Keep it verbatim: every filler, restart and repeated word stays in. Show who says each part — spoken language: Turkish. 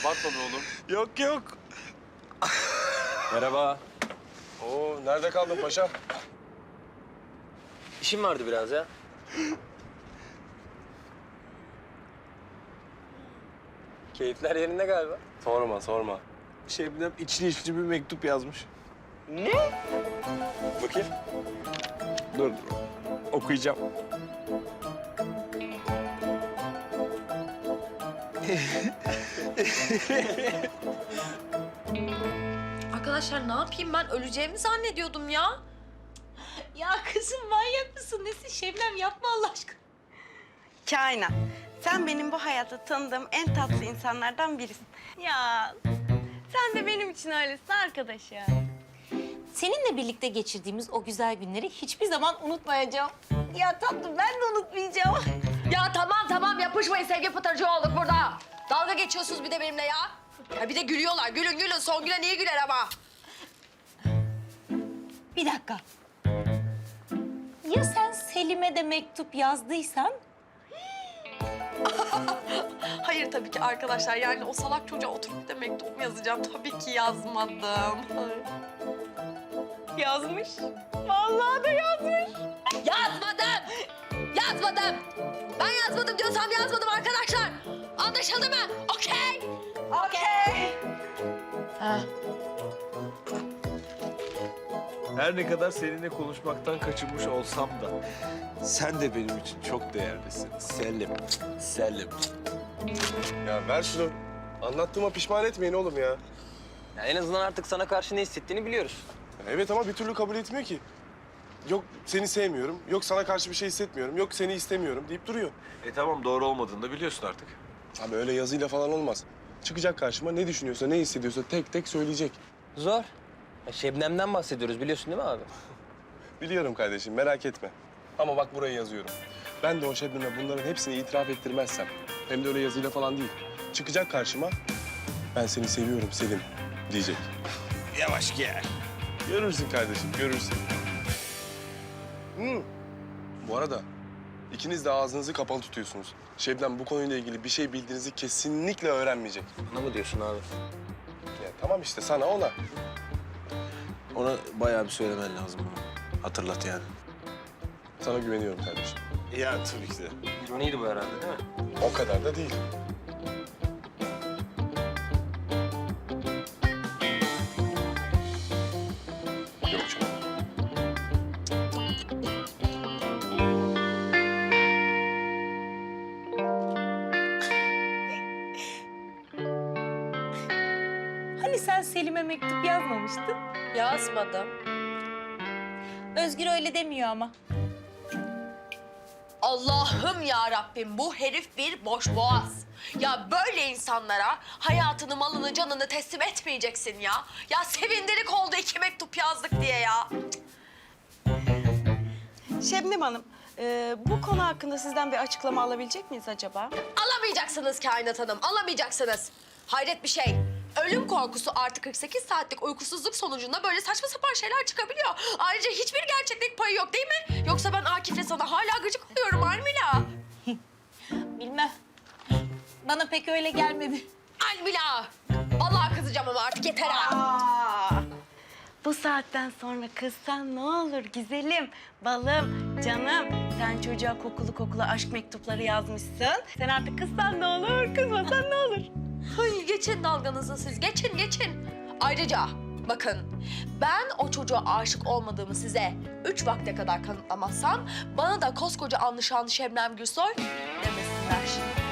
Speaker 1: Abartma be oğlum.
Speaker 2: Yok yok.
Speaker 3: Merhaba.
Speaker 1: Oo, nerede kaldın paşa?
Speaker 3: İşim vardı biraz ya. Keyifler yerinde galiba.
Speaker 1: Sorma, sorma.
Speaker 2: Şebnem içli içli bir mektup yazmış.
Speaker 3: Ne? Bakayım.
Speaker 2: Dur, okuyacağım.
Speaker 4: Arkadaşlar ne yapayım ben? Öleceğimi zannediyordum ya.
Speaker 5: Ya kızım manyak mısın? Nesin Şebnem? Yapma Allah aşkına.
Speaker 6: Kainat, sen benim bu hayatta tanıdığım en tatlı insanlardan birisin. Ya sen de benim için öylesin arkadaş ya.
Speaker 5: Seninle birlikte geçirdiğimiz o güzel günleri hiçbir zaman unutmayacağım. Ya tatlım ben de unutmayacağım.
Speaker 4: Ya tamam tamam yapışmayın sevgi pıtırcı olduk burada. Dalga geçiyorsunuz bir de benimle ya. Ya bir de gülüyorlar. Gülün gülün. Son gülen iyi güler ama.
Speaker 5: Bir dakika. Ya sen Selim'e de mektup yazdıysan?
Speaker 4: Hayır tabii ki arkadaşlar. Yani o salak çocuğa oturup da mektup mu yazacağım? Tabii ki yazmadım.
Speaker 6: Yazmış. Vallahi da yazmış.
Speaker 4: Yazmadım. Yazmadım. Ben yazmadım diyorsam yazmadım arkadaşlar. Anlaşıldı mı? Okey.
Speaker 6: Okey.
Speaker 4: Ha.
Speaker 2: Her ne kadar seninle konuşmaktan kaçınmış olsam da sen de benim için çok değerlisin. Selim, Selim.
Speaker 1: Ya ver şunu. Anlattığıma pişman etmeyin oğlum ya.
Speaker 3: Ya en azından artık sana karşı ne hissettiğini biliyoruz.
Speaker 1: Evet ama bir türlü kabul etmiyor ki. Yok seni sevmiyorum, yok sana karşı bir şey hissetmiyorum, yok seni istemiyorum deyip duruyor.
Speaker 2: E tamam, doğru olmadığını da biliyorsun artık.
Speaker 1: Abi öyle yazıyla falan olmaz. Çıkacak karşıma ne düşünüyorsa, ne hissediyorsa tek tek söyleyecek.
Speaker 3: Zor. Ya Şebnem'den bahsediyoruz biliyorsun değil mi abi?
Speaker 1: Biliyorum kardeşim, merak etme. Ama bak buraya yazıyorum. Ben de o Şebnem'e bunların hepsini itiraf ettirmezsem, hem de öyle yazıyla falan değil, çıkacak karşıma, ben seni seviyorum Selim diyecek.
Speaker 2: Yavaş gel.
Speaker 1: Görürsün kardeşim, görürsün. Hmm. Bu arada ikiniz de ağzınızı kapalı tutuyorsunuz. Şebnem bu konuyla ilgili bir şey bildiğinizi kesinlikle öğrenmeyecek.
Speaker 3: Bana mı diyorsun abi?
Speaker 1: Ya tamam işte sana ona.
Speaker 2: Ona bayağı bir söylemen lazım bunu. Hatırlat yani.
Speaker 1: Sana güveniyorum kardeşim.
Speaker 2: Ya tabii ki de.
Speaker 3: Johnny'ydi bu herhalde değil mi?
Speaker 1: O kadar da değil. Yok canım.
Speaker 5: Hani sen Selim'e mektup yazmamıştın?
Speaker 4: Yazmadım.
Speaker 5: Özgür öyle demiyor ama.
Speaker 4: Allah'ım ya Rabbim bu herif bir boş boğaz. Ya böyle insanlara hayatını, malını, canını teslim etmeyeceksin ya. Ya sevindirik oldu iki mektup yazdık diye ya.
Speaker 6: Şebnem Hanım, e, bu konu hakkında sizden bir açıklama alabilecek miyiz acaba?
Speaker 4: Alamayacaksınız Kainat Hanım, alamayacaksınız. Hayret bir şey. Ölüm korkusu artı kırk sekiz saatlik uykusuzluk sonucunda böyle saçma sapan şeyler çıkabiliyor. Ayrıca hiçbir gerçeklik payı yok değil mi? Yoksa ben Akif'le sana hala gıcık oluyorum Almila.
Speaker 5: Bilmem. Bana pek öyle gelmedi.
Speaker 4: Almila! Vallahi kızacağım ama artık yeter ha.
Speaker 6: Aa, bu saatten sonra kızsan ne olur güzelim, balım, canım. Sen çocuğa kokulu kokulu aşk mektupları yazmışsın. Sen artık kızsan ne olur, kızmasan ne olur?
Speaker 4: Ay, geçin dalganızı siz, geçin geçin. Ayrıca bakın, ben o çocuğa aşık olmadığımı size üç vakte kadar kanıtlamazsam... ...bana da koskoca anlaşan Şebnem Gürsoy demesinler.